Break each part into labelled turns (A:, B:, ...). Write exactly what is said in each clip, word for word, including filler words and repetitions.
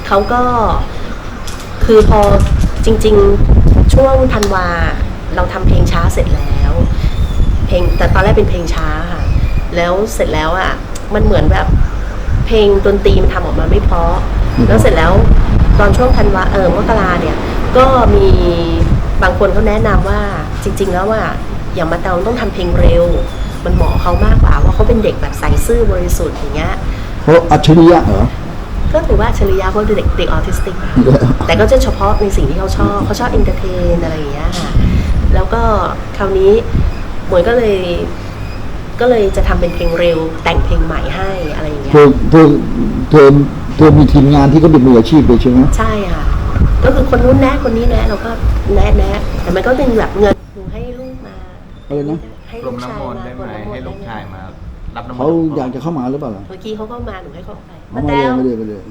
A: เขาก็คือพอจริงๆช่วงธันวาเราทำเพลงช้าเสร็จแล้วเพลงแต่ตอนแรกเป็นเพลงช้าค่ะแล้วเสร็จแล้วอ่ะมันเหมือนแบบเพลงดนตรีมันทำออกมาไม่เพราะแล้วเสร็จแล้วตอนช่วงธันวาเออมกราเนี่ยก็มีบางคนเขาแนะนำว่าจริงๆแล้วว่าอย่างมาเตาต้องทำเพลงเร็วมันเหมาะเขามากกว่าว่าเขาเป็นเด็กแบบใสซื่อบริสุทธิ์อย่างเงี้ย
B: เขาอัจฉริยะเหรอ
A: ก็ถือว่าอัจฉริยะเพราะเด็กเด็กออทิสติกแต่ก็จะเฉพาะในสิ่งที่เขาชอบเขาชอบเอนเตอร์เทนอะไรอย่างเงี้ยค่ะแล้วก็คราวนี้หมวยก็เลยก็เลยจะทำเป็นเพลงเร็วแต่งเพลงใหม่ให้อะไรอย่างเงี้ย
B: เธอเธอเธอเธอมีทีมงานที่เขาเป็นมืออาชีพเลยใช่ไหม
A: ใช่ค่ะก็คือคนนู้นแนะคนนี้แนะเราก็แนะแนะแต่มันก็เป็นแบบเงินหนูให้ลูกมา
B: อะไรนะ
A: ให้
C: ลมน้ำมนต์ได้ไหมให้ลูกชายมารับน้ำมนต์
B: เขาอยากจะเข้ามาหรือเปล่าล่ะ
A: เมื่อกี้เขาก็มาหนูให้เขาไป
B: มาเลยมาเลยมาเลย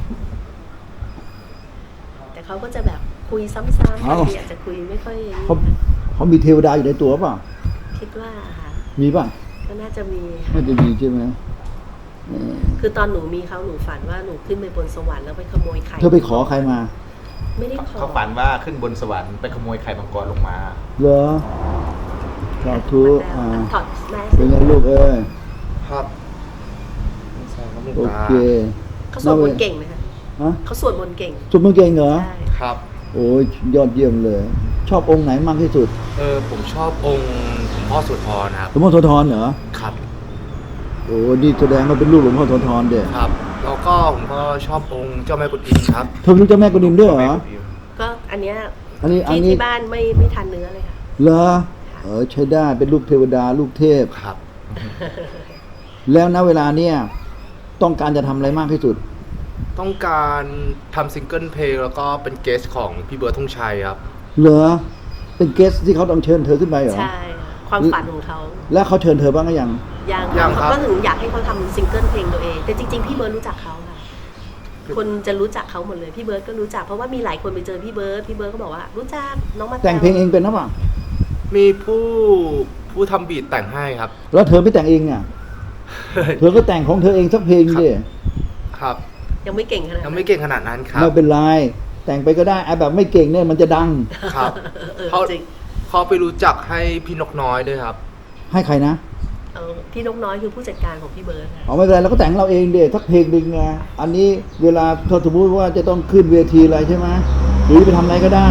A: แต่เขาก็จะแบบคุยซ้ำๆบางทีอาจจะคุยไม่ค่อย
B: เขาเขามีเทวดาอยู่ในตัวเปล่า
A: คิดว่าค่ะ
B: มีป่ะ
A: ก็น่าจะมี
B: น่าจะมีใช่ไหม
A: คือตอนหนูมีเขาหนูฝันว่าหนูขึ้นไปบนสวรรค์แล้วไปขโมยไข่
B: เธอไปขอใครมา
A: ไม่ได้ขอ
C: เขาฝันว่าขึ้นบนสวรรค์ไปขโมยไข่มังกรลงมา
B: เหรอสาธุอ่า
A: ถอดแมส
B: เป็นไงลูกเอ้ย
C: ครับ
B: โอเค
A: เขาสวดมนต์เก่งไหมคะ
B: ฮะ
A: เขาสวดมนต์เก่ง
B: สวดมนต์เก่งเหรอ
A: ใช่
C: ครับ
B: โอ้ยยอดเยี่ยมเลยชอบองค์ไหนมากที่สุด
C: เออผมชอบองค์หลวงพ่อโสธรครับ
B: หลวงพ่อโสธรเหรอ
C: ครับ
B: โอ้นี่แสดงว่าเป็นลูกหลวงพ่อโสธรเด้
C: ครับแล้วก็ผมก็ชอบองค์เจ้าแม่กุนอิมครับ
B: เธอรู้เจ้าแม่กุนอิมด้วยเหรอ
A: ก็อันเนี้ย
B: อันนี้
A: ที่ที่บ้านไม่ไม่ทานเนื้อเลยค่ะ
B: เหรอเออใช้ได้เป็นลูกเทวดาลูกเทพ
C: ครับ
B: แล้วณเวลาเนี้ยต้องการจะทำอะไรมากที่สุด
C: ต้องการทำซิงเกิลเพลงแล้วก็เป็นเกสของพี่เบิร์ดธงชัยครับ
B: เหรอเป็นเกสที่เขาต้องเชิญเธอขึ้นไปเหรอ
A: ใช่ความฝันของเขา
B: แล้วเขาเชิญเธอบ้างหรือยัง
A: ยังยังเขาก็ถึงอยากให้เขาทำซิงเกิลเพลงตัวเองแต่จริงๆพี่เบิร์ดรู้จักเขาค่ะคนจะรู้จักเขาหมดเลยพี่เบิร์ดก็รู้จักเพราะว่ามีหลายคนไปเจอพี่เบิร์ดพี่เบิร์ดก็บอกว่ารู้จักน้องมา
B: แต่งเพลงเองเป็นหรือเปล่า
C: มีผู้ผู้ทำบีทแต่งให้ครับ
B: แล้วเธอไม่แต่งเองอ่ะ เธอก็แต่งของเธอเองสักเพลงดิ
C: ครับ
A: ยังไม่เก่งขนาด
C: ยังไม่เก่งขนาดนั้นครับ
B: ไม่เป็นไรแต่งไปก็ได้ไอ้แบบไม่เก่งเนี่ยมันจะดัง
C: ครับเขาเขาไปรู้จักให้พี่นกน้อยด้วยครับ
B: ให้ใครนะ
A: เออพี่นกน้อยคือผู้จัดการของพี่เบิร์ด
B: อ๋อไม่เป็นไรเราก็แต่งเราเองเดี๋ยวสักเพลงหนึ่งไงอันนี้เวลาถ้าสมมติว่าจะต้องขึ้นเวทีอะไรใช่ไหมหรือไปทำอะไรก็ได้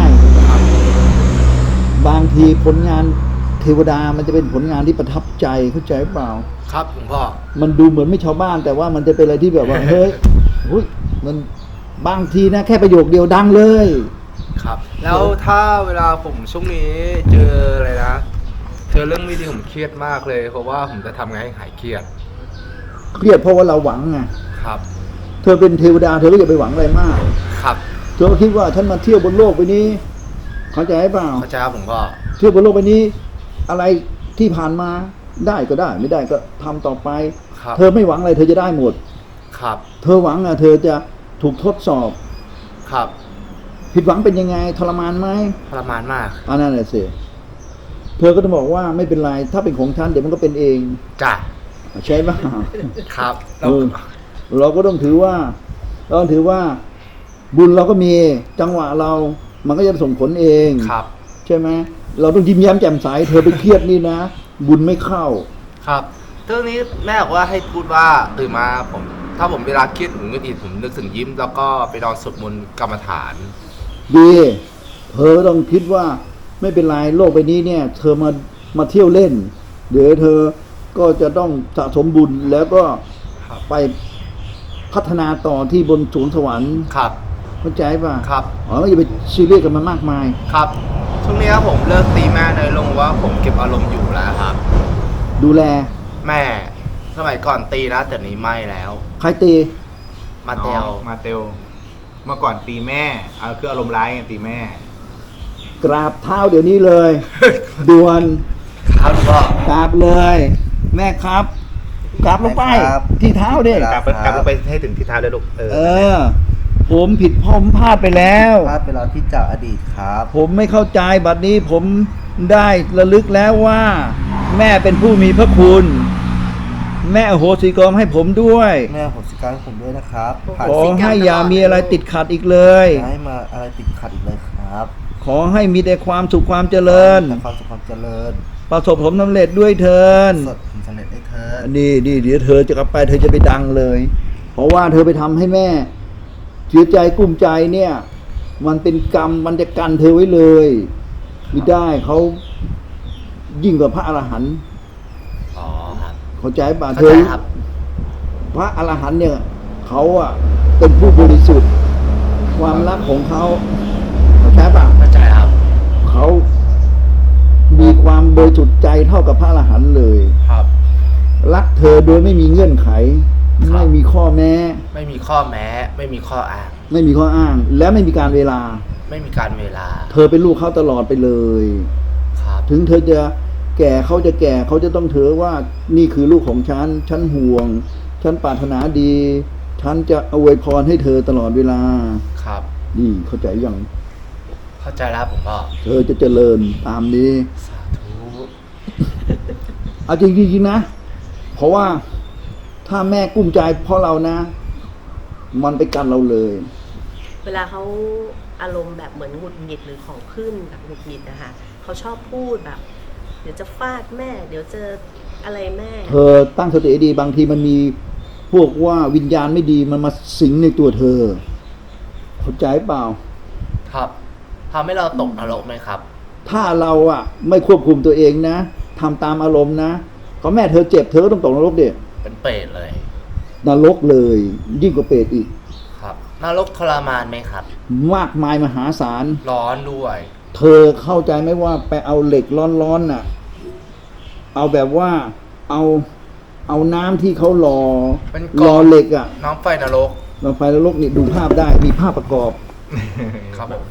B: บางทีผลงานเทวดามันจะเป็นผลงานที่ประทับใจเข้าใจเปล่า
C: ครับหลวงพ่อ
B: มันดูเหมือนไม่ชาวบ้านแต่ว่ามันจะเป็นอะไรที่แบบว่า เฮ้ยหุ้ยมันบางทีนะแค่ประโยคเดียวดังเลย
C: ครับแล้วถ้าเวลาผมช่วงนี้เจออะไรนะเจอเรื่องไม่ดีผมเครียดมากเลยเพราะว่าผมจะทำไงให้หายเครียด
B: เครียดเพราะว่าเราหวังไง
C: ครับ
B: เธอเป็นเทวดาเธอก็อย่าไปหวังอะไรมาก
C: ครับ
B: เธอคิดว่าฉันมาเที่ยวบนโลกใบนี้เข้าใจเปล่า
C: เข้าใจครับผมก็
B: เที่ยวบนโลกใบนี้อะไรที่ผ่านมาได้ก็ได้ไม่ได้ก็ทำต่อไปเธอไม่หวังอะไรเธอจะได้หมด
C: ครับ
B: เธอหวังอ่ะเธอจะถูกทดสอบ
C: ครับ
B: ผิดหวังเป็นยังไงทรมานไหม
C: ทรมานมาก
B: อันนั้นแหละสิเธอก็จะบอกว่าไม่เป็นไรถ้าเป็นของฉันเดี๋ยวมันก็เป็นเอง
C: จ้ะ
B: ใช่ไหม
C: ครับ
B: เราเราก็ต้องถือว่าเราต้องถือว่าบุญเราก็มีจังหวะเรามันก็จะส่งผลเอง
C: ครับ
B: ใช่ไหมเราต้องยิ้มแย้มแจ่มใสเธอไปเครียดนี่นะบุญไม่เข้า
C: ครับเรื่องนี้แม่บอกว่าให้พูดว่าตื่นมาผมถ้าผมเวลาเครียดผมก็ดีผมนึกถึงยิ้มแล้วก็ไปนอนสวดมนต์กรรมฐาน
B: ดีเธอต้องคิดว่าไม่เป็นไรโลกใบนี้เนี่ยเธอมามาเที่ยวเล่นเดี๋ยวเธอก็จะต้องสะสมบุญแล้วก็ไปพัฒนาต่อที่บนสวงสวรรค์
C: ครับ
B: เข้าใจป่ะ
C: ครับ
B: อ๋อไม่อย่าไปซีเรียสกับมันมากมาย
C: ครับช่วงนี้ผมเลิกตีแม่เลยลงว่าผมเก็บอารมณ์อยู่แล้วครับ
B: ดูแล
C: แม่สมัยก่อนตีนะแต่นี้ไม่แล้ว
B: ใครตี
C: มาเตล
D: มาเตลเมื่อก่อนตีแม่เอาคืออารมณ์ร้ายไงตีแม่
B: กราบเท้าเดี๋ยวนี้เลยด่วน
C: ครับพ่
B: อกราบเลยแม่ครับกราบลงไปที่เท้าดิ
C: กราบกราบลงไปให้ถึงที่เท้าเลยลูกเออ
B: เออผมผิดผมพลาดไปแล้ว
E: พลาดไปแล้วที่จากอดีตครับ
B: ผมไม่เข้าใจบัดนี้ผมได้ระลึกแล้วว่าแม่เป็นผู้มีพระคุณแม่อโหสิกรรมให้ผมด้วย
E: แม่ผมสิการให้ผมด้วยนะครับผ่าน
B: ขอให้อย่ามีอะไรติดขัดอีกเลย
E: อย่าให้มาอะไรติดขัดอีกเลยครับ
B: ขอให้มีแต่ความสุขความเจริญ
E: แต่ความสุขความเจริญ
B: ประสบผลสำเร็จด้วยเถิน
E: สดผลสำเร็จได้เถิด
B: นี่นี่เดี๋ยวเธอจะกลับไปเธอจะไปดังเลย เพราะว่าเธอไปทำให้แม่เสียใจกุ้มใจเนี่ย มันเป็นกรรมมันจะกันเธอไว้เลยไม่ได้เขายิ่งกว่าพระอรหันต์
C: อ๋อครับ
B: เข้าใจป่ะเธ
C: เข้า
B: อ
C: ใจครับ
B: พระอรหันต์เนี่ยเขาอะเป็นผู้บริสุทธิ์ ความรักของเขาเข้าใจป่ะ
C: เข้าใจครับ
B: เขามีความบริสุทธิ์ใจเท่ากับพระอรหันต์เลย
C: ครับ
B: รักเธอโดยไม่มีเงื่อนไข
C: ครับ
B: ไม่มีข้อแม้
C: ไม่มีข้อแม้ ไม่มีข้ออ้าง
B: ไม่มีข้ออ้าง และไม่มีการเวลา
C: ไม่มีการเวลา
B: เธอเป็นลูกเขาตลอดไปเลย
C: ครับ
B: ถึงเธอจะแก่เขาจะแก่เขาจะต้องถือว่านี่คือลูกของฉันฉันห่วงฉันปรารถนาดีฉันจะอวยพรให้เธอตลอดเวลา
C: ครับ
B: นี่เข้าใจยัง
C: เข้าใจแล้วผมก็
B: เธอจะเจริญตามนี้
C: สาธุ
B: เอาจริงๆนะ เพราะว่าถ้าแม่กุ้มใจเพราะเรานะ มันไปกันเราเลย
A: เวลาเขาอารมณ์แบบเหมือนหงุดหงิดหรือของขึ้นแบบหงุดหงิดนะคะเขาชอบพูดแบบ เดี๋ยวจะฟาดแม่ เดี๋ยวจะอะไรแม่
B: เธอตั้งสติให้ดีบางทีมันมีพวกว่าวิญญาณไม่ดีมันมาสิงในตัวเธอเข้าใจเปล่า
C: ครับทำให้เราตกนรกไหมครับ
B: ถ้าเราอะไม่ควบคุมตัวเองนะทำตามอารมณ์นะก็แม่เธอเจ็บเธอก็ต้องตกนรกเด็
C: เป็นเปรตเลย
B: นรกเลย ยิ่งกว่าเปรตอีก
C: ครับนรกทรมานไหมครับ
B: มากมายมหาศาล
C: ร้อนด้วย
B: เธอเข้าใจไหมว่าไปเอาเหล็กร้อนๆน่ะ เอาแบบว่าเอาเอาน้ำที่เขารอ
C: เป็นก
B: ร
C: อ
B: อง เหล็กอะ
C: น้ำไฟนรก
B: เราไฟนรกนี่ดูภาพได้มีภาพประกอบ
C: ครับผม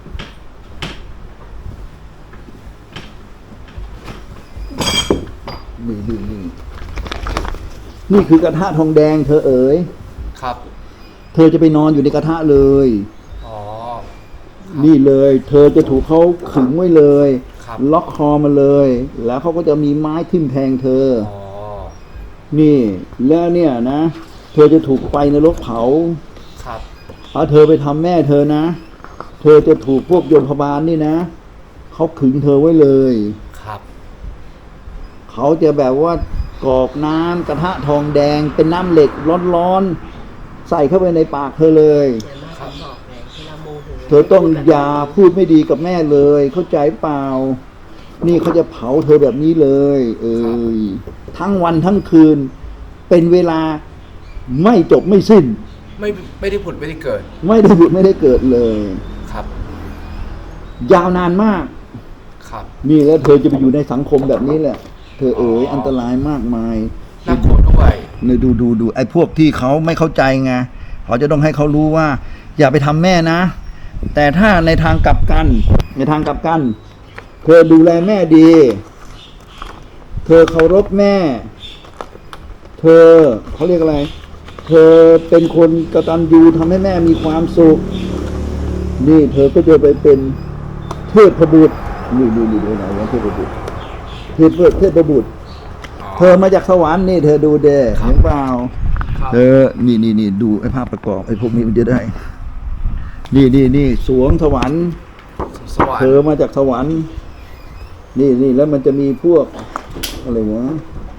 B: นี่นี่นี่นี่คือกระทะทองแดงเธอเอ๋ย
C: ครับ
B: เธอจะไปนอนอยู่ในกระทะเลย
C: อ๋อ
B: นี่เลย เธอจะถูกเขาขึงไว้เลย
C: ครับ
B: ล็อกคอมาเลย แล้วเขาก็จะมีไม้ทิ่มแทงเธอ
C: อ๋อ
B: นี่ แล้วเนี่ยนะ เธอจะถูกไฟนรกเผา
C: ครับ
B: ถ้าเธอไปทำแม่เธอนะ เธอจะถูกพวกโยมพบาลนี่นะเขาขึงเธอไว้เลย
C: ครับ
B: เขาจะแบบว่ากรอกน้ำกระทะทองแดงเป็นน้ำเหล็กร้อนๆใส่เข้าไปในปากเธอเลย
A: เดี๋ยวแม่ผมบอกไงเวลาโมโห
B: เธอต้องอย่าพูดไม่ดีกับแม่เลย เข้าใจเปล่า นี่เขาจะเผาเธอแบบนี้เลย เอ้ยทั้งวันทั้งคืน เป็นเวลาไม่จบไม่สิ้น
C: ไม่ไม่ได้ผุดไม่ได้เกิด
B: ไม่ได้หยุดไม่ได้เกิดเลย
C: ครับ
B: ยาวนานมาก
C: ครับ
B: นี่แล้วเธอจะไปอยู่ในสังคมแบบนี้แหละ เธอเอ๋ยอันตรายมากมาย
C: น่ากลัวด้วย
B: เนี่ยดูดูดูไอ้พวกที่เขาไม่เข้าใจไงเขาจะต้องให้เขารู้ว่า อย่าไปทำแม่นะ แต่ถ้าในทางกลับกัน ในทางกลับกัน เธอดูแลแม่ดี เธอเคารพแม่ เธอเขาเรียกอะไร เธอเป็นคนกตัญญูทำให้แม่มีความสุข นี่เธอก็จะไปเป็นเทพบุตรนี่นี่นี่ดูไหนวะเทพบุตรเทพเทพบุตร เธอมาจากสวรรค์นี่เธอดูเด้เห็นเปล่า
C: ครับ
B: เธอนี่นี่นี่ดูไอ้ภาพประกอบไอ้พวกนี้มันจะได้ นี่นี่นี่สวงสวรรค์
C: สวรร
B: เธอ
C: ค์
B: มาจากสวรรค์ นี่นี่แล้วมันจะมีพวกอะไรวะ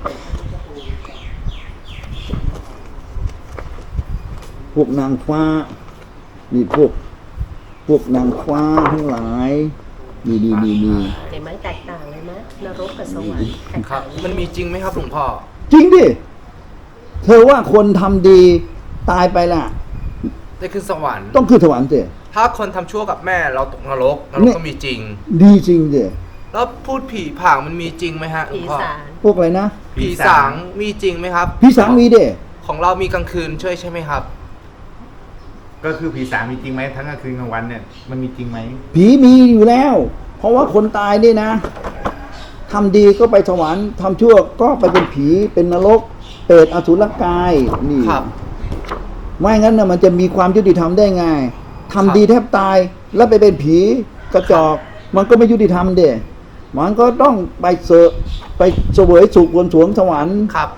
B: พวกนางฟ้า นี่พวก พวกนางฟ้าทั้งหลาย นี่นี่นี่นี่
A: เห็นไหมแตกต่างเลยไหมนรกกับสวรรค์แตก
C: ครั
A: ต่า
C: บ
A: ง
C: มันมีจริงไหมครับหลวงพ่อ
B: จริงดิ เธอว่าคนทำดีตายไปล่ะ
C: ได้ขึ้นสวรรค์
B: ต้องขึ้นสวรรค์สิ
C: ถ้าคนทำชั่วกับแม่เราตกนรกนร
B: เนี่
C: ก
B: ย
C: ก็มีจริง
B: ดีจริงสิ
C: แล้วพูดผีผางมันมีจริงไหมฮะหลว
A: ผี
C: งพ่อ
A: สาร
B: พวกอะไรนะ
C: ผีสางมีจริงไหมครับ
B: พี่สังมีเด้
C: ของเรามีกลางคืนช่วยใช่ไหมครับ
D: ก็คือผีสางมีจริงไหมทั้งกลางคืนกลางวันเนี่ยมันมีจริงไหม
B: ผีมีอยู่แล้ว เพราะว่าคนตายนี่นะทำดีก็ไปสวรรค์ทำชั่วก็ไปเป็นผีเป็นนรกเปรตอสุรกายนี่
C: ครับ
B: ไม่งั้นนะมันจะมีความยุติธรรมได้ไงทำดีแทบตายแล้วไปเป็นผีกระจอก มันก็ไม่ยุติธรรมเด้มันก็ต้องไปเสอะไปเสวยสุขบนสวงสวรรค์
C: ครับ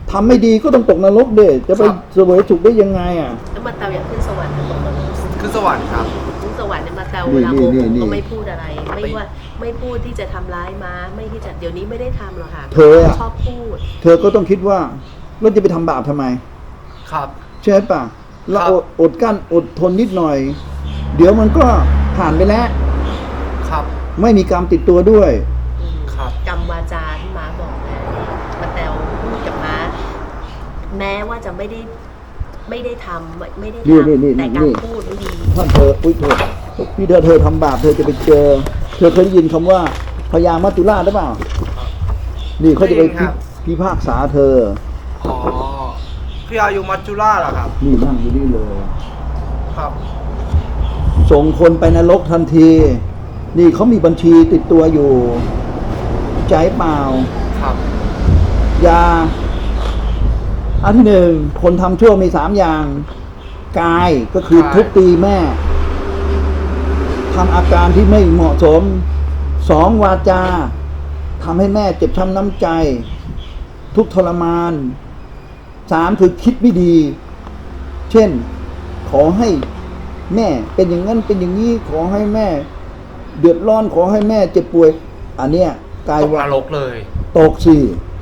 B: ทำไม่ดีก็ต้องตกนรกเด้จะไป
C: ครับ
B: เสวยสุขได้ยังไงอ่ะ
A: แล้วมาเตาอยากขึ้นสวรรค์หรือตกนรก
C: ขึ้นสวรรค์ครับ
A: ขึ้นสวรรค์เนี่ยมาเตา
B: นี่
A: เวลาโม
B: นี่
A: โห
B: นี่
A: ก็ไม่พูดอะไร ไม่ว่าไม่พูดที่จะทำร้ายม้าไม่ที่จะเดี๋ยวนี้ไม่ได้ทำหรอกค่ะ
B: เธออะ
A: ชอบพูด
B: เธอก็ต้องคิดว่าเราจะไปทำบาปทำไม
C: ครับ
B: ใช่ป่ะเรา
C: ครับ
B: อดอดกั้นอดทนนิดหน่อย เดี๋ยวมันก็ผ่านไปแล้ว
C: ครับ
B: ไม่มีกรรมติดตัวด้วย
C: ครับ
A: กรรมวาจาที่ม้าบอกนะมาแตวพูดกับม้า แม้ว่าจะไม่ได้ไม่ได้ทำไม่ไม่ได้
B: นี่นี่นี่
A: ทำแต่กา
B: นี่
A: รพูดไม่ดี
B: ถ้าเธออุ้ยโทษนี่เธอเธอทำบาปเธอจะไปเจอ เธอเคยได้ยินคำว่าพญามัจจุราชหรือเปล่า นี่เขาจะไป
C: ได้ยินครับ
B: พิพากษาเธอ
C: อ๋อพญายุมัจจุราชเหรอครับ
B: นี่นั่งอยู่นี่เลย
C: ครับ
B: ส่งคนไปนรกทันที นี่เขามีบัญชีติดตัวอยู่ ใจเปล่า
C: ครับ
B: ยา อันที่หนึ่งคนทำชั่วมีสามอย่าง กายก็คือทุบตีแม่ทำอาการที่ไม่เหมาะสม สองวาจาทำให้แม่เจ็บช้ำน้ำใจ ทุกข์ทรมานสามคือคิดไม่ดี เช่น ขอให้แม่เป็นอย่างนั้นเป็นอย่างนี้ ขอให้แม่ เดือดร้อนขอให้แม่เจ็บป่วย อันเนี้ยกาย
C: ตก
B: ว่าน
C: รกเลย
B: ตกสิ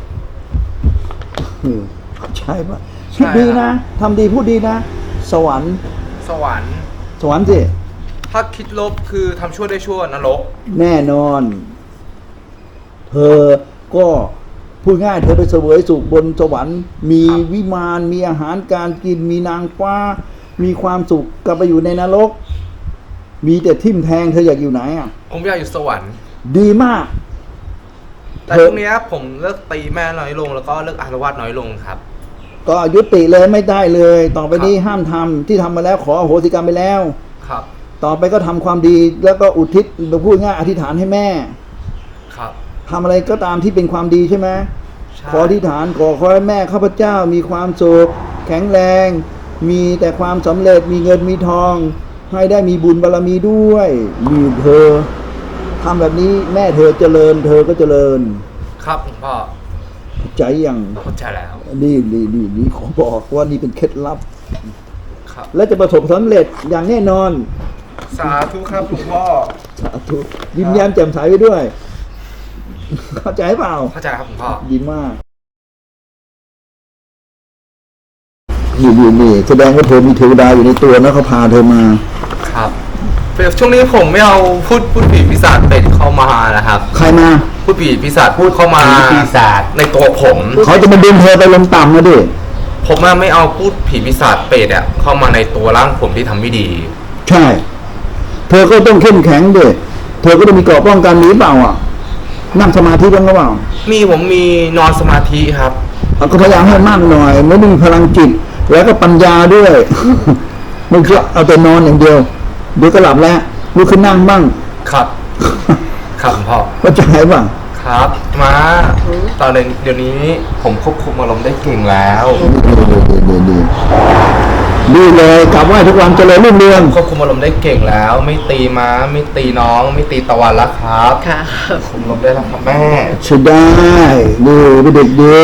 B: เออใช่ปะคิดดีนะทำดีพูดดีนะ สวรรค์
C: สวรรค์
B: สวรรค์สิ
C: ถ้าคิดลบคือทำชั่วได้ชั่วนรก
B: แน่นอน เธอก็พูดง่ายเธอไปเสวยสุขบนสวรรค์ มี
C: ครับ
B: วิมานมีอาหารการกินมีนางฟ้า มีความสุขกลับไปอยู่ในนรก มีแต่ทิ่มแทงเธออยากอยู่ไหนอ่ะ
C: ผมอยากอยู่สวรรค์
B: ดีมาก
C: แต่
B: เธอ
C: ช่วงเนี้ยผมเลิกตีแม่น้อยลง แล้วก็เลิกอารวาสน้อยลงครับ
B: ก็ยุติเลยไม่ได้เลย ต่อไปนี้
C: ครับ
B: ห้ามทำที่ทำมาแล้วขออโหสิกรรมไปแล้ว
C: ครับ
B: ต่อไปก็ทำความดีแล้วก็อุทิศพูดง่ายอธิษฐานให้แม่
C: ครับ
B: ทำอะไรก็ตามที่เป็นความดีใช่ไหม
C: ใช่
B: ขออธิษฐานขอขอให้แม่ข้าพเจ้ามีความสุขแข็งแรง มีแต่ความสำเร็จมีเงินมีทอง ให้ได้มีบุญบารมีด้วยมีเธอทำแบบนี้แม่เธอเจริญ เธอก็เจริญ
C: ครับหลวงพ่อ
B: ใจอย่าง
C: เข้าใจแล้ว
B: นี่นี่นี่นี่ขอบอกว่านี่เป็นเคล็ดลับ
C: ครับ
B: และจะประสบสำเร็จอย่างแน่นอน
C: สาธุครับหลวงพ่อ
B: สาธุยิ้มแย้มแจ่มใสไปด้วย เข้าใจเปล่า
C: เข้าใจครับหลวงพ่อ
B: ดีมาก นี่นี่นี่แสดงว่าเธอมีเทวดาอยู่ในตัวนะเขาพาเธอมา
C: ครับช่วงนี้ผมไม่เอาพูดพูดผีปีศาจเป็ดเข้ามานะครับ
B: ใครมา
C: พูดผีปีศาจพูดเข้ามา
D: ผีปีศาจ
C: ในตัวผม
B: เขาจะมาดึงเธอไปลงต่ำนะดิ
C: ผมอะไม่เอาพูดผีปีศาจเป็ดอะเข้ามาในตัวร่างผมที่ทำไม่ดี
B: ใช่ เธอก็ต้องเข้มแข็งดิเธอก็ต้องมีเกราะป้องกันนี้เปล่าอ่ะ นั่งสมาธิบ้างหรือเปล่า
C: มีผมมีนอนสมาธิครับ
B: เอาก็พยายามให้มากหน่อยไม่ต้องมีพลังจิต แล้วก็ปัญญาด้วย ไม่ใช่เอาแต่นอนอย่างเดียว เดี๋ยวก็หลับแล้วลุกขึ้นนั่งบ้าง
C: ครับ ครับหลวงพ่อ
B: เข้าใจป่ะ
C: ครับมาตอนนี้เดี๋ยวนี้ผมควบคุมอารมณ์ได้เก่งแล้ว
B: ดีดีดีดีเลยกลับไหว้ทุกวันเจริญรุ่งเรือง
C: ควบคุมอารมณ์ได้เก่งแล้ว ไม่ตีม้าไม่ตีน้อง ไม่ตีตะวันแล้วครับ
A: ค่ะ
C: คุมอารมณ์ได้แล้วครับแม่
B: ใช่ได้ดีเป็นเด็กดี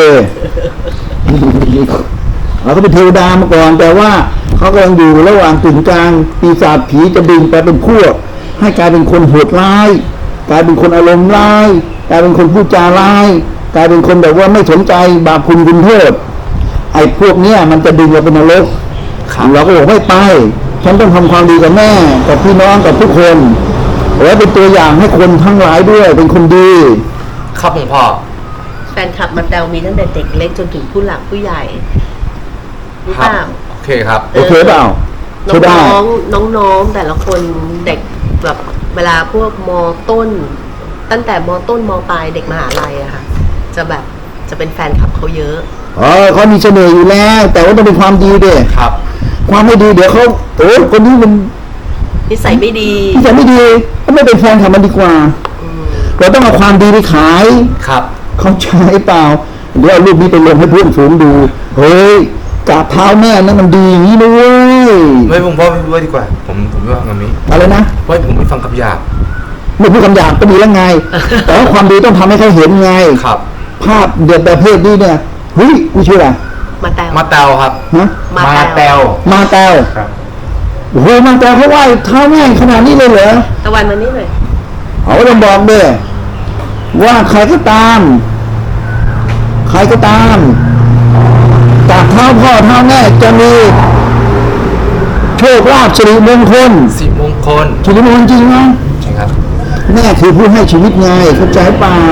B: เราก็เป็นเทวดามาก่อน แต่ว่าเขากำลังอยู่ระหว่างกึ่งกลางปีศาจผีจะดึงไปเป็นพวก ให้กลายเป็นคนโหดร้าย กลายเป็นคนอารมณ์ร้าย กลายเป็นคนพูดจาร้าย กลายเป็นคนแบบว่าไม่สนใจบาปคุณคุณโทษไอ้พวกเนี้ยมันจะดึงเราเป็นนรก
C: ครับ
B: เราก็บอกไม่ไป ฉันต้องทำความดีกับแม่ กับพี่น้องกับทุกคน แล้วเป็นตัวอย่างให้คนทั้งหลายด้วย เป็นคนดี
C: ครับหลวงพ่อ
A: แฟนคลับมาแตวมีตั้งแต่เด็กเล็กจนถึงผู้หลักผู้ใหญ่รู้
C: ครั
A: เปล่า
C: โอเคครับ
B: โอเคเปล่า
A: น้
B: ใช่ได้
A: องๆน้องๆแต่ละคนเด็กแบบเวลาพวกมต้น ตั้งแต่มต้นมปลายเด็กมหาลัยอะค่ะ จะแบบจะเป็นแฟนคลับเขาเยอะ
B: เออเขามีเสน่ห์อยู่แล้ว แต่ว่าต้องเป็นความดีเด้
C: ครับ
B: ความไม่ดีเดี๋ยวเขาโอ้คนนี้มัน
A: นิสัยไม่ดี
B: ที่จะไม่ดีก็ไม่เป็นแฟนกับมันดีกว่า
A: อืม
B: เราต้องเอาความดีไปขาย
C: ครับ
B: เขาใช้เปล่าเดี๋ยวเอารูปนี้ไปลงให้เพื่อนฝูงดูเฮ้ยกราบเท้าแม่นั่นมันดีอย่างนี้นะเว้ย
C: ไม่ผมพ่อไม่ด้วยดีกว่า ผมผมไม่ฟังคำนี้
B: อะไรนะ
C: เพราะผมไม่ฟังคำหยาบ
B: ไม่พูดคำหยาบก็ดีแล้วไง แต่ว่าความดีต้องทำให้เขาเห็นไง
C: ครับ
B: ภาพเดือดประเภทนี้เนี่ยเฮ้ยกูชื่ออะไร
A: มาแตว
C: มาแตวครับ
B: ฮะ
A: มา
D: มา
A: แต
D: แต
A: ว
D: ว
B: มาแตว
D: ครับ
B: โอ้โหมาแตวเขาไหว้เท้าแม่งขนาดนี้เลยเหรอ
A: ตะวันมานี่หน่อย
B: เอาต้องบอกด้วยว่าใครก็ตาม ใครก็ตามจากเท้าพ่อเท้าแม่จะมีโชคลาภสิริมงคล
C: สีมงคล
B: สิริมงคลจริงไหม
C: ใช่ครับ
B: แม่คือผู้ให้ชีวิตไงเข้าใจเปล่า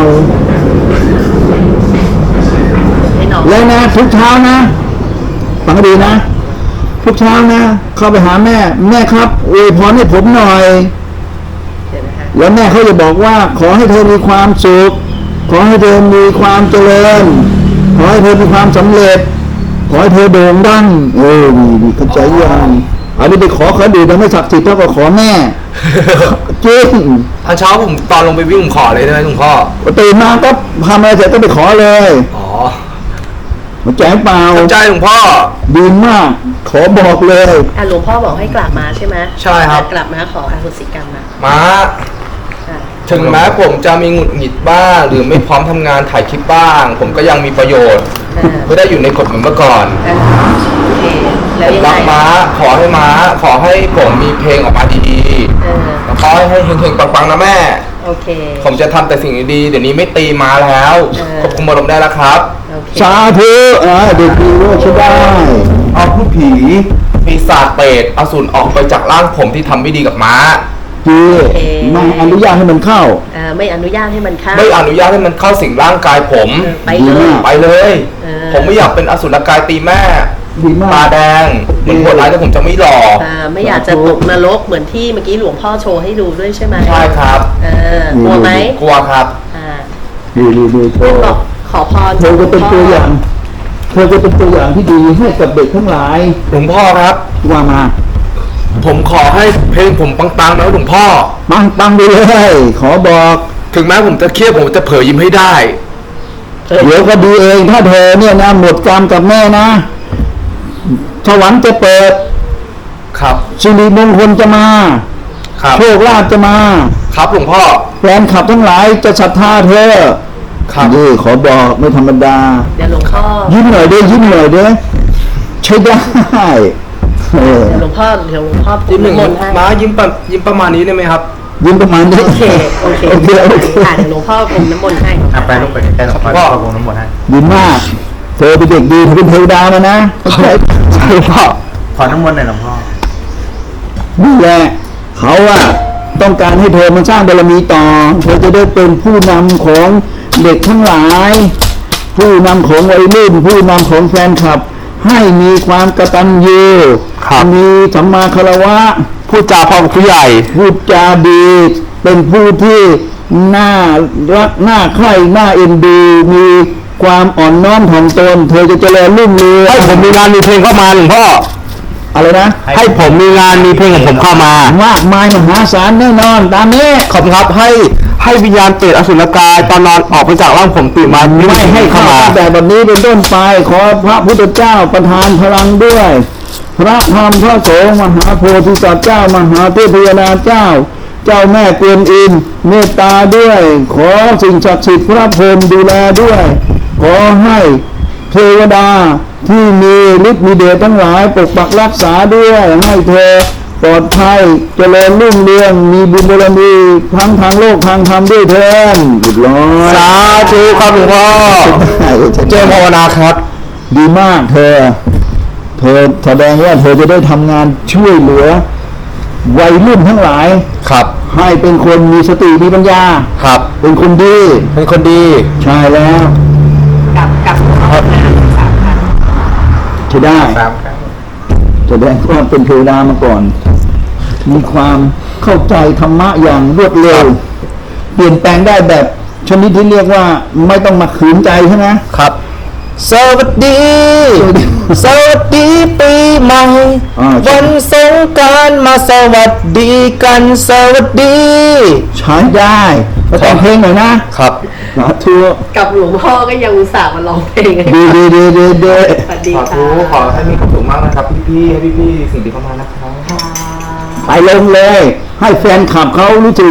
A: ให้น้อง
B: แล้วนะทุกเช้านะฟังให้ดีนะ ทุกเช้านะ เข้าไปหาแม่ แม่ครับอวยพรให้ผมหน่อย
A: เดี๋ยวนะคะ
B: แล้วแม่เขาจะบอกว่า ขอให้เธอมีความสุข ขอให้เธอมีความเจริญ ขอให้เธอมีความสำเร็จ ขอให้เธอโด่งดังเออดีดีเข้าใจยังอันนี้ไปขอเขาดูแต่ไม่ศักดิ์สิทธิ์เท่ากับขอแม่ จริง
C: ตอนเช้าผมตอนลงไปวิ่งผมขอเลยได้ไหมหลวงพ่อ
B: ตื่นมาก็ทำอะไรเสร็จก็ไปขอเลย
C: อ๋อ
B: เข้าใจเปล่า
C: เข้าใจหลวงพ่อ
B: ดีมาก ขอบอกเลย
A: อ่ะหลวงพ่อบอกให้กลับมาใช่ไหม
C: ใช่ครับ
A: กลับมาขออโหสิกรรมนะ
C: มา
A: อ่ะ
C: ถึงแม้ผมจะมีหงุดหงิดบ้าง หรือไม่พร้อมทำงานถ่ายคลิปบ้าง ผมก็ยังมีประโยชน์
A: อ่า
C: ไม่ได้อยู่ในกฎเหมือนเมื่อก่อน
A: อ่ะโอเคแล้ว
C: ผม
A: ยัง
C: รัก
A: ไง
C: ม้า ขอให้ม้า ขอให้ผมมีเพลงออกมาดี
A: เออ
C: ๆแล้วขอให้เฮงๆปังๆนะแม่
A: โอเค
C: ผมจะทำแต่สิ่งดีๆเดี๋ยวนี้ไม่ตีม้าแล้ว
A: เออ
C: ควบคุมอารมณ์ได้แล้วครับ
A: โอเค
B: สาธุอ่าเด็กดีว่าใช่ได้
D: เอาผู้ผี
C: ปีศาจเปรตอสูรออกไปจากร่างผมที่ทำไม่ดีกับม้า
B: จีไม่อนุญาตให้มันเข้า
A: เอ่อไม่อนุญาตให้มันเข้า
C: ไม่อนุญาตให้มันเข้าสิงร่างกายผม
A: เออไปเลย
C: ไปเลย
A: เออ
C: ผมไม่อยากเป็นอสุรกายตีแม่
B: ดีมาก
C: ตาแดงเหมือนโหดร้ายแต่ผมจะไม่หล่อ
A: อ่าไม่อยากจะตกนรกเหมือนที่เมื่อกี้หลวงพ่อโชว์ให้ดูด้วยใช่ไหม
C: ใช่ครับ
A: เออกลัวไหม
C: กลัวครับ
A: อ่า
B: ดีดีดีเธ
A: ท่าน
B: อ
A: บอกขอพร
B: เธอก็เป็นตัวอย่าง เธอก็เป็นตัวอย่างที่ดีให้กับเด็กทั้งหลาย
C: หลวงพ่อครับ
B: ว่ามา
C: ผมขอให้เพลงผมปังๆนะหลวงพ่อ
B: ปังปังไปเลย ขอบอก
C: ถึงแม้ผมจะเครียดผมจะเผยยิ้มให้ได้
B: เดี๋ยวก็ดีเองถ้าเธอเนี่ยนะหมดกรรมกับแม่นะสวรรค์จะเปิด
C: ครับ
B: สิริมงคลจะมา
C: ครับ
B: โชคลาภจะมา
C: ครับหลวงพ่อ
B: แฟนคลับทั้งหลายจะศรัทธาเธอ
C: ครับ
B: นี่ขอบอกไม่ธรรมดา
A: เดี๋ยวหลวงพ่อ
B: ยิ้มหน่อยเด้อยิ้มหน่อยเด้อใช้ได้เออ
A: เดี๋ยวหลวงพ่อเดี๋ยวหลวงพ่อพู
C: ยิ้
A: ด
C: มหนึ่ง
A: มนต์ให้
C: ม้ายิ้มประยิ้มประมาณนี้ได้ไหมครับ
B: ยิ้มประมาณนี้
A: โอเคโอเค
B: โอเคโอเค
A: ค่ะเดี๋ยวหลวงพ่อพรมน้ำมนต์ให้
D: อ่ะไปลูกไปใกล้ๆหลวงพ่อ
C: ครับพ่อ
D: พ่อคงน้ำมนต์ให้
B: ดีมากเธอเป็นเด็กดีเธอเป็นเทวดามานะเข้าใจใช่พ่อ
D: ขอน้ำมนต์หน่อยหลวงพ่อ
B: นี่แหละเขาอะต้องการให้เธอมันสร้างบารมีต่อเธอจะได้เป็นผู้นำของเด็กทั้งหลาย ผู้นำของวัยรุ่นผู้นำของแฟนคลับ ให้มีความกตัญญู
C: ครับ
B: มีสัมมาคารวะ
C: พูดจาพ่อผู้ใหญ่
B: พูดจาดีเป็นผู้ที่น่ารักน่าใคร่น่าเอ็นดูมีความอ่อนน้อมถ่อมตน เธอจะเจริญรุ่งเรือง
C: ให้ผมมีงานมีเพลงเข้ามาหลวงพ่อ
B: อะไรนะ
C: ให้ผมมีงานมีเพลงของผมเข้ามาม
B: ากมายมหาศาลแน่นอนตามนี้
C: ขอบคุณครับให้ให้วิญญาณเปรตอสุรกายตอนนอนออกไปจากร่างผมตื่นมา
B: ไม่ให้เข้าตั้งแต่บัดนี้เป็นต้นไปขอพระพุทธเจ้าประทานพลังด้วย พระธรรมพระสงฆ์มหาโพธิสัตว์เจ้ามหาเทพยดาเจ้า เจ้าแม่กวนอิมเมตตาด้วย ขอสิ่งศักดิ์สิทธิ์พระพรหมดูแลด้วย ขอให้เทวดาที่มีฤทธิ์มีเดชทั้งหลายปกปักรักษาด้วยให้เธอปลอดภัยเจริญรุ่งเรืองมีบุญบารมีทั้งทางโลกทางธรรมด้วยเถิดเรียบร้อย
C: สาธุครับหลวงพ่อเจริญภาวนาครับ
B: ดีมากเธอ เธอแสดงว่าเธอจะได้ทำงานช่วยเหลือวัยรุ่นทั้งหลาย
C: ครับ
B: ให้เป็นคนมีสติมีปัญญา
C: ครับ
B: เป็นคนดี
C: เป็นคนดี
B: ใช่แล้ว
A: กับกับหลวงพ่อนะสามพัน
B: ใช่ได้
D: สามครั้ง
B: แสดงว่าเป็นเทวดามาก่อน มีความเข้าใจธรรมะอย่างรวดเร็ว เปลี่ยนแปลงได้แบบชนิดที่เรียกว่าไม่ต้องมาขืนใจใช่ไหม
C: ครับ สวัสดี สวัสดีปีใหม่
B: อ่า
C: วันสงกรานต์มาสวัสดีกันสวัสดี
B: ใช้ได้ก็แต่งเพลงหน่อยนะครับ สาธุ
A: กับหลวงพ่อก็ยังอุตส่าห์มาร้องเพลงให้
B: ดีดีดีดีดี
A: สวัสดี
C: ขอ
A: ค่ะ
C: ทุขอให้มีความสุขมากนะครับพี่ๆให้พี่ๆสิ่งดีเข้ามานะครับ
B: ไปลงเลย ให้แฟนคลับเขารู้สึก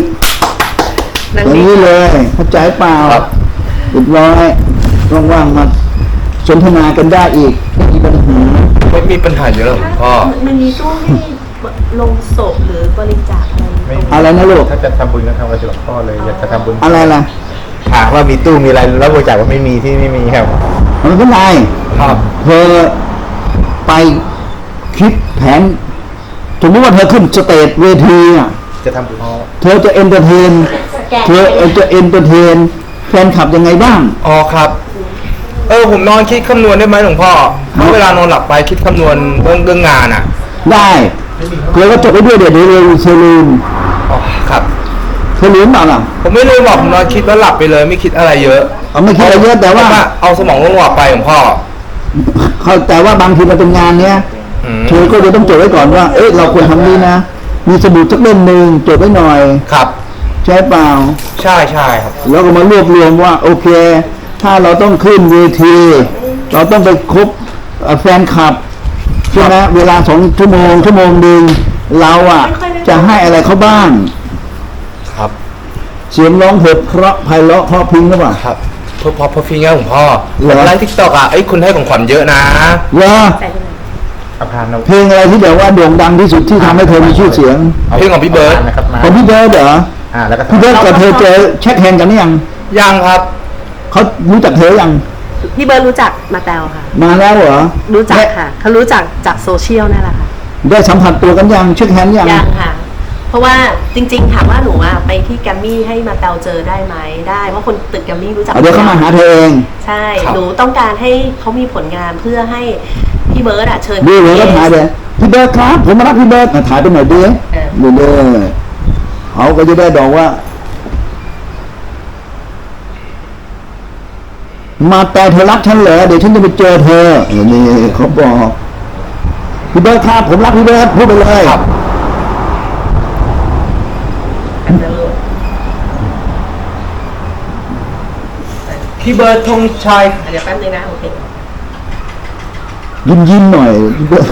A: นั่ง
B: อย่าง
A: นี่
B: นี้เลยเข้าใจเปล่า
C: ครับ
B: เรียบร้อยว่างๆมาสนทนากันได้อีกไม่มีปัญหา
C: ไม่มีปัญหาเยอะหรอกหลวงพ่อ
A: มันมีตู้ให้ลงศพหรือบริจาคอะไร
D: ไม่
B: อะไรนะลูก
D: ถ้าจะทำบุญก็ทำกับหลวงพ่อเลยอยากจะทำบุญ
B: อะไรล่ะ
D: ถามว่ามีตู้มีอะไรแล้วบริจาคว่าไม่มีที่ไม่มีครับ
B: มันเป็นไร
C: ครับ
B: เธอไปคิดแผนสมมติว่าเธอขึ้นสเตจเวทีอ่ะ
D: จะทำบุญ
B: เธอจะเอนเตอร์เทน
A: แกะ
B: เธอจะเอนเตอร์เทนแฟนคลับยังไงบ้าง
C: อ๋อครับ เออผมนอนคิดคำนวณได้ไหมหลวงพ่อถ้าเวลานอนหลับไปคิดคำนวณเรื่องเรื่องงานอ่ะ
B: ได้เธอก็จดไปด้วยเดี๋ยวเดี๋ยวเดี๋ยวเธอลืม
C: อ๋อครับ
B: เธอลืมเปล่าล่ะ
C: ผมไม่เลยบอกผมนอนคิดแล้วหลับไปเลยไม่คิดอะไรเยอะ
B: เอาไม่คิดอะไรเยอะแต่ว่า
C: เพระเอาสมองลงหลับไปหลวงพ่อ
B: เขาแต่ว่าบางทีมันเป็นงานเนี้ย
C: อืม
B: เธอก็จะต้องจดไว้ก่อนว่า เอ๊ะเราควรทำนี้นะ มีสมุดสักเล่มหนึ่งจดไว้หน่อย
C: ครับ
B: ใช่เปล่า
C: ใช่ใช่ครับ
B: แล้วก็มารวบรวมว่า โอเค ถ้าเราต้องขึ้นเวที เราต้องไปคบเอ่อแฟนคลับใช่ไหมเวลาสองชั่วโมงชั่วโมงหนึ่งเราอ่ะ จะให้อะไรเขาบ้าง
C: ครับ
B: เสียงร้องเพลงเพราะไพเราะเพราะพริ้งหรือเปล่า
C: ครับพอพอพอฟิงเงี้ยหลวงพ่อ
B: เหรอ
C: ไลฟ์ทิกตอกอ่ะไอ้ยคุณให้ของขวัญเยอะนะ
B: เหรอ
A: แต่ที่ไหน
D: อาพานเรา
B: เพลงอะไรที่แบบว่าโด่งดังที่สุดที่ทำให้เธอมีชื่อเสียง
C: เพลงของพี่เบิร์ด
D: นะครับมา
B: ของพี่เบิร์ดเหรอ
D: อ่าแล้วก็
B: พี่เบิร์ดกับเธอเจอเช็คแฮนด์กันหรือยัง
C: ยังครับ
B: เขารู้จักเธอยัง
A: พี่เบิร์ดรู้จักมาแตวค่ะ
B: มาแล้วเหรอ
A: รู้จัก
B: ได้
A: ค่ะเขารู้จักจากโซเชียลนั่นแหละค่ะ
B: ได้สัมผัสตัวกันยังเช็คแฮนด์ยัง
A: ยังค่ะ เพราะว่าจริงๆถามว่าหนูอะไปที่แกรมมี่ให้มาแตวเจอได้ไหมได้เพราะคนตึกแกรมมี่รู้จัก
B: เอาเดี๋ยวเขามาหาเธอเอง
A: ใช่
C: ครับ
A: หนูต้องการให้เขามีผลงานเพื่อให้พี่เบิร์ดอะเชิญ
B: ดูเลยก็ถ่ายเลยพี่เบิร์ดครับ ผมมารับพี่เบิร์ดอ่ะถ่ายไปหน่อยดิ
A: เออ
B: ดูเลยเขาก็จะได้บอกว่า มาแต่เธอรักฉันเหรอเดี๋ยวฉันจะไปเจอเธอเออนี่เขาบอกพี่เบิร์ดครับผมรักพี่เบิร์ดพูดไปเลย
C: ครับ
A: เดี๋ยว
C: พี่เบิร์ดธงชัย
A: เดี๋ยวแป๊บนึงนะโอเค
B: ยิ้มยิ้มๆหน่อยพี่เบิร์ด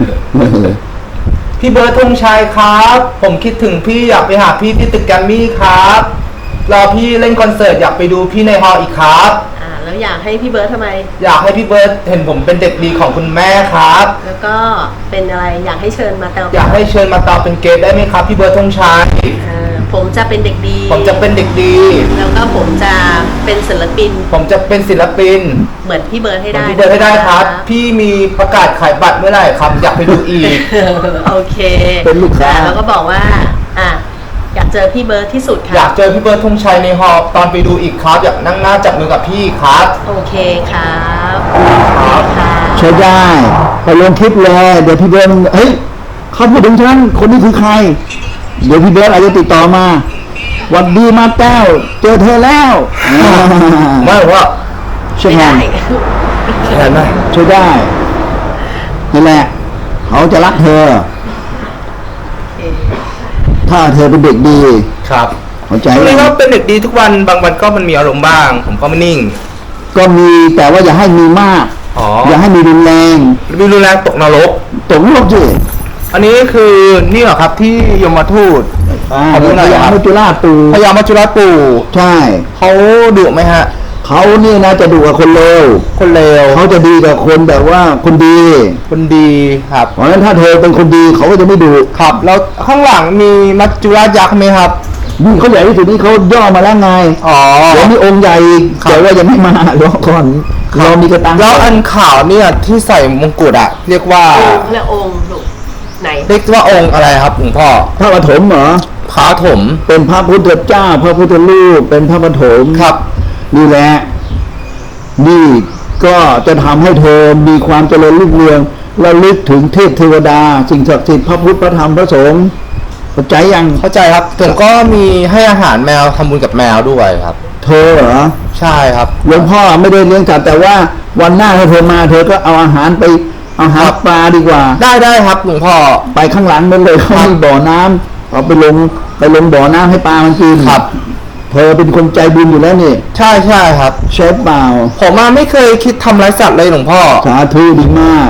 C: พี่เบิร์ดธงชัยครับ ผมคิดถึงพี่อยากไปหาพี่ที่ตึกแกรมมี่ครับรอพี่เล่นคอนเสิร์ตอยากไปดูพี่ในฮอลล์อีกครับ
A: อ่าแล้วอยากให้พี่เบิร์ดทำไม
C: อยากให้พี่เบิร์ดเห็นผมเป็นเด็กดีของคุณแม่ครับ
A: แล้วก็เป็นอะไรอยากให้เชิญมาแตว
C: อยากให้เชิญมาตอบเป็นเกสได้ไหมครับ พี่เบิร์ดธงชัย
A: อ่าผมจะเป็นเด็กดี
C: ผมจะเป็นเด็กดี
A: แล้วก็ผมจะเป็นศิลปิน
C: ผมจะเป็นศิลปิน
A: เหมือนพี่เบิร์ดให้
C: เหมือน
A: ได้
C: พี่เบิร์ดให้ได้ครับ พี่มีประกาศขายบัตรเมื่อไหร่ครับ อยากไปดูอีก
A: โอเค
B: เป็นลูกค้า
A: อ่แล้วก็บอกว่า อ่ะอยากเจอพี่เบิร์ดที่สุด
C: อยา
A: ค่ะ
C: กเจอพี่เบิร์ดธงชัยในฮอลล์ตอนไปดูอีกครับ อยากนั่งหน้าจับมือกับพี่ครับ
A: โอเคครับ
C: ครับ
A: ค่ะ
B: ใช้ได้ไปลงคลิปเลยเดี๋ยวพี่เบิร์ดเฮ้ยเขาพูดถึงฉันคนนี้คือใคร เดี๋ยวพี่เบิร์ดอาจจะติดต่อมาหวันดีมาแต้วเจอเธอแล้ว
C: ไม่ว่า
B: ใช่
A: ไม่
B: ไหม
A: ได้
C: เห็นไหม
B: ใช่ได้นั่นแหละเขาจะรักเธอ
A: โอเค
B: ถ้าเธอเป็นเด็กดี
C: ครับ
B: เข้าใจ
C: ช่วง
B: ไหม
C: นี้ก็เป็นเด็กดีทุกวัน บางวันก็มันมีอารมณ์บ้าง ผมก็ไม่นิ่ง
B: ก็มีแต่ว่าอย่าให้มีมาก
C: อ๋อ
B: อย่าให้มีรุนแรง
C: มีรุนแรงตกนรก
B: ตกโลกสิ
C: อันนี้คือนี่เหรอครับที่ยมทูต
B: อ่า
C: ขอบคุณหน่อย
B: พ
C: ครับ
B: ญามัจจุราชตู
C: พญามัจจุราชปู่
B: ใช่
C: เขาดุไหมฮะ
B: เขานี่นะจะดูกับคนเลว
C: คนเลว
B: เขาจะดีกับคนแบบว่าคนดี
C: คนดีครับ
B: เพราะฉะนั้นถ้าเธอเป็นคนดีเขาก็จะไม่ดุ
C: ครับ แล้วข้างหลังมีมัจจุราชยักษ์ไหมครับ
B: นี่เขาใหญ่ที่สุดนี่เขาย่อมาแล้วไง
C: อ๋อ
B: เดี๋ยวมีองค์ใหญ่อีก
C: ครับ
B: แต่ว่ายังไม่มารอก่อนเรามีกระตัง
C: แล้วอันขาวเนี่ยที่ใส่มงกุฎอะเรียกว่า
A: เขาเรียกองค์ลูกไหน
C: เรียกว่าองค์อะไรครับหลวงพ่อ
B: พระปฐมเหรอ
C: พระถม
B: เป็นพระพุทธเจ้า พระพุทธรูปเป็นพระปฐม
C: ครับ
B: นี่แหละ นี่ก็จะทำให้เธอมีความเจริญรุ่งเรืองระลึกถึงเทพเทวดา สิ่งศักดิ์สิทธิ์พระพุทธพระธรรมพระสงฆ์เข้าใจยัง
C: เข้าใจครับผมก็มีให้อาหารแมวทำบุญกับแมวด้วยครับ
B: เธอเหรอ
C: ใช่ครับ
B: หลวงพ่อไม่ได้เลี้ยงสัตว์แต่ว่าวันหน้าถ้าเธอมา เธอก็เอาอาหารไปเอาอาหารปลาดีกว่า
C: ได้ได้ครับหลวงพ่อ
B: ไปข้างหลังนั่นเลยเขามีบ่อน้ำเอาไปลงไปลงบ่อน้ำให้ปลามันกิน
C: ครับ
B: เธอเป็นคนใจบุญอยู่แล้วนี่
C: ใช่ใช่ครับ
B: ใช่เปล่า
C: ผมมาไม่เคยคิดทำร้ายสัตว์เลยหลวงพ่อ
B: สาธุดีมาก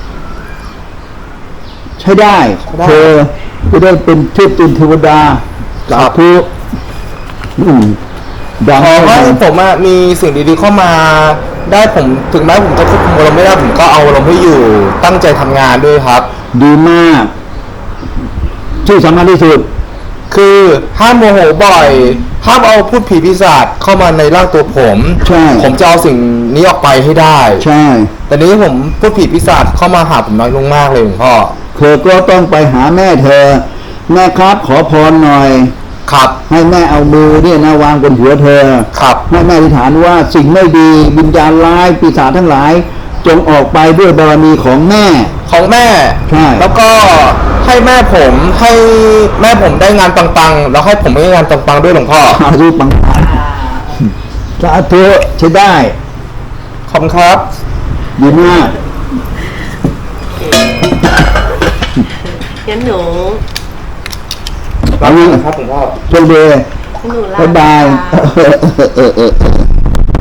B: ใช้ได้
C: ได้
B: เธอจะได้เป็นเทพเป็นเทวดาสาธุอืมดัง
C: ขอให้ผมอะมีสิ่งดีๆเข้ามาได้ผมถึงแม้ผมจะควบคุมอารมณ์ไม่ได้ผมก็เอาอารมณ์ให้อยู่ตั้งใจทำงานด้วยครับ
B: ดีมาก ที่สำคัญที่สุด
C: คือห้ามโมโหบ่อยห้ามเอาพูดผีปีศาจเข้ามาในร่างตัวผม
B: ใช่
C: ผมจะเอาสิ่งนี้ออกไปให้ได้
B: ใช่
C: แต่นี้ผมพูดผีปีศาจเข้ามาหาผมน้อยลงมากเลยหลวงพ่อ
B: เธอก็ต้องไปหาแม่เธอ แม่ครับขอพรหน่อย
C: ครับ
B: ให้แม่เอามือเนี่ยนะวางบนหัวเธอ
C: ครับ
B: ให้แม่อธิษฐานว่าสิ่งไม่ดีวิญญาณร้ายปีศาจทั้งหลาย จงออกไปด้วยบารมีของแม่
C: ของแม่
B: ใช่
C: แล้วก็ให้แม่ผมให้แม่ผมได้งานปังๆแล้วให้ผมได้งานปังๆด้วยหลวงพ่อ
B: สาธุปังสาธุใช้ได้
C: ขอบคุณครับ
B: ดีมาก
A: งั้นหนู
B: เอางี้
C: ครับหลวงพ่อ
B: โชคดี
A: หนูลา
B: บ๊ายบาย
A: ค่ะ
B: เออเออเออเออ